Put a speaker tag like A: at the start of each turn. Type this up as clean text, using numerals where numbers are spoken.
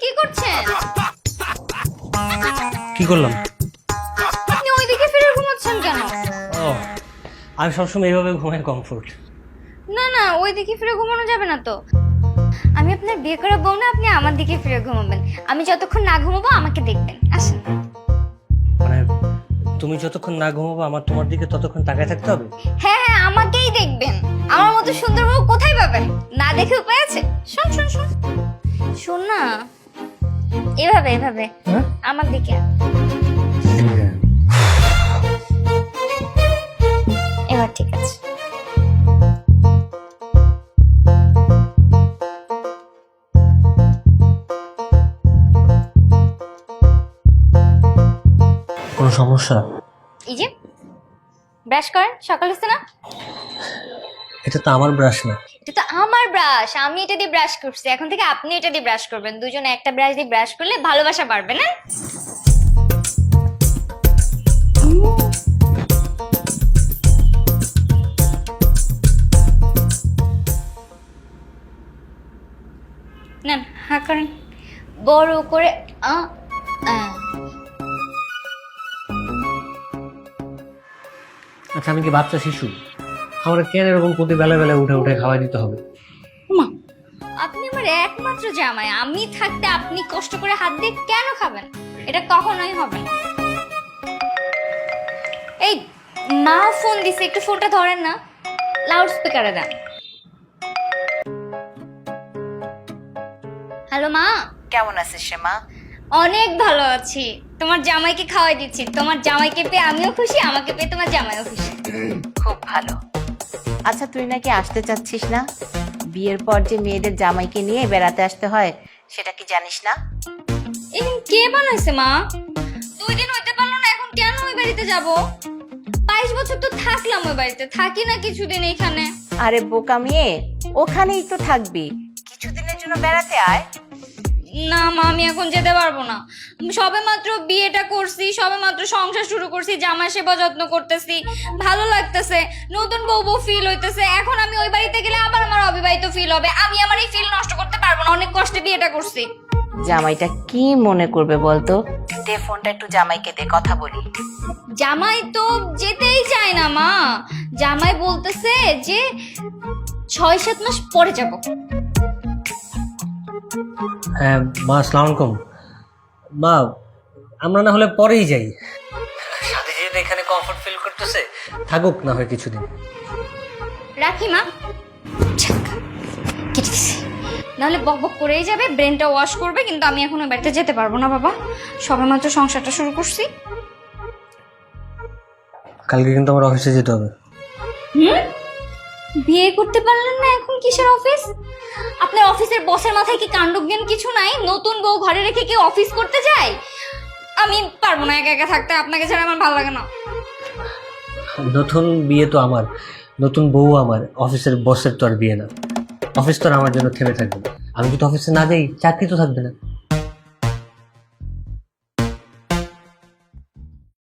A: কি করছেন?
B: কি করলাম?
A: আপনি ওইদিকে ফিরে ঘুমাচ্ছেন কেন?
B: ও, আমি সবসময় এইভাবে ঘুমাই, কমফোর্ট।
A: না না, ওইদিকে ফিরে ঘুমানো যাবে না তো। আমি আপনার বিয়ে করা বউ না, আপনি আমার দিকে ফিরে ঘুমাবেন। আমি যতক্ষণ না ঘুমাবো আমাকে দেখবেন। আসেন।
B: মানে তুমি যতক্ষণ না ঘুমাবো আমার তোমার দিকে ততক্ষণ তাকায় থাকতে হবে?
A: হ্যাঁ হ্যাঁ, আমাকেই দেখবেন। আমার মতো সুন্দর বউ কোথায় পাবেন? না দেখে উপায় আছে? শোন শোন শোন শোন না, এভাবে এভাবে
B: হ্যাঁ?
A: আমার দিকে আয়। এবার ঠিক আছে।
B: কোনো সমস্যা?
A: এই যে ব্রাশ করেন, সকাল হচ্ছে না?
B: এটা তো আমার ব্রাশ না।
A: এটা তো আমার ব্রাশ, আমি এটা দিয়ে ব্রাশ করছি। এখন থেকে আপনি এটা দিয়ে ব্রাশ করবেন। দুজনে একটা ব্রাশ দিয়ে ব্রাশ করলে ভালোবাসা বাড়বে না? নেন, হা করেন বড় করে। আ আ।
B: আচ্ছা, আমি কি বাচ্চা শিশু? আমার কেন এরকম প্রতি বেলা বেলা উঠে উঠে খাওয়াই দিতে হবে?
A: মা, আপনি আমার একমাত্র জামাই। আমি থাকতে আপনি কষ্ট করে হাত দিয়ে কেন খাবেন? এটা কখনোই হবে না। এই, মা ফোন দিছে, একটু ফোনটা ধরেন না, লাউড স্পিকারে দেন। হ্যালো মা।
C: কেমন আছিস রে মা?
A: অনেক ভালো আছি। তোমার জামাইকে খাওয়াই দিচ্ছি। তোমার জামাইকে পেয়ে আমিও খুশি, আমাকে পেয়ে তোমার জামাইও খুশি।
C: খুব ভালো। আচ্ছা, তুই নাকি আসতে চাচ্ছিস না? বিয়ের পর যে মেয়েদের জামাইকে নিয়ে বেড়াতে আসতে হয় সেটা কি জানিস না?
A: এখন কে বানাইছে মা? 2 দিন হইতে পারলো না, এখন কেন ওই বাড়িতে যাব? 22 বছর তো থাকলাম ওই বাড়িতে, থাকি না কিছুদিন এখানে।
C: আরে বোকা মেয়ে, ওখানেই তো থাকবি, কিছুদিনের জন্য বেড়াতে আয়।
A: না মা, আমি এখন যেতে পারবো না। সবে মাত্র বিয়েটা করছি, সবে মাত্র সংসার শুরু করছি, জামাই সেবা যত্ন করতেছি, ভালো লাগতেছে, নতুন বউ বউ ফিল হইতেছে। এখন আমি ওই বাড়িতে গেলে আবার আমার অবিবাহিত ফিল হবে। আমি আমার এই ফিল নষ্ট করতে পারবো না, অনেক কষ্টে বিয়েটা করছি।
C: জামাইটা কি মনে করবে বলতো? দে ফোনটা একটু জামাইকে দে, কথা বলি।
A: জামাই তো যেতেই চায় না মা। জামাই বলতেছে যে 6-7 মাস পরে যাব।
B: হ্যাঁ মা, আসসালামু আলাইকুম। মা, আমরা না হলে পরেই যাই। সাথে যেহেতু এখানে কমফোর্ট ফিল করতেছে, থাকুক না হয় কিছুদিন।
A: রাখি মা। যাক, কেটে দিছি। নাহলে বক বক করেই যাবে, ব্রেনটা ওয়াশ করবে। কিন্তু আমি এখন ওই বাড়িতে যেতে পারবো না বাবা, সবেমাত্র সংসারটা শুরু করছি।
B: কালকে কিন্তু আমার অফিসে যেতে হবে।
A: বিয়ে করতে পারলেন না, এখন কিসের অফিস? আপনার অফিসের বসের মাথায় কি কাণ্ডজ্ঞান কিছু নাই? নতুন বউ ঘরে রেখে কি অফিস করতে যায়? আমি পারবো না একা একা থাকতে, আপনাকে ছাড়া আমার ভালো লাগে না।
B: নতুন বিয়ে তো আমার, নতুন বউ আমার, অফিসের বসের তো আর বিয়ে না। অফিস তো আর আমার জন্য থেমে থাকবে না। আমি যদি অফিসে না যাই, চাকরি তো থাকবে না।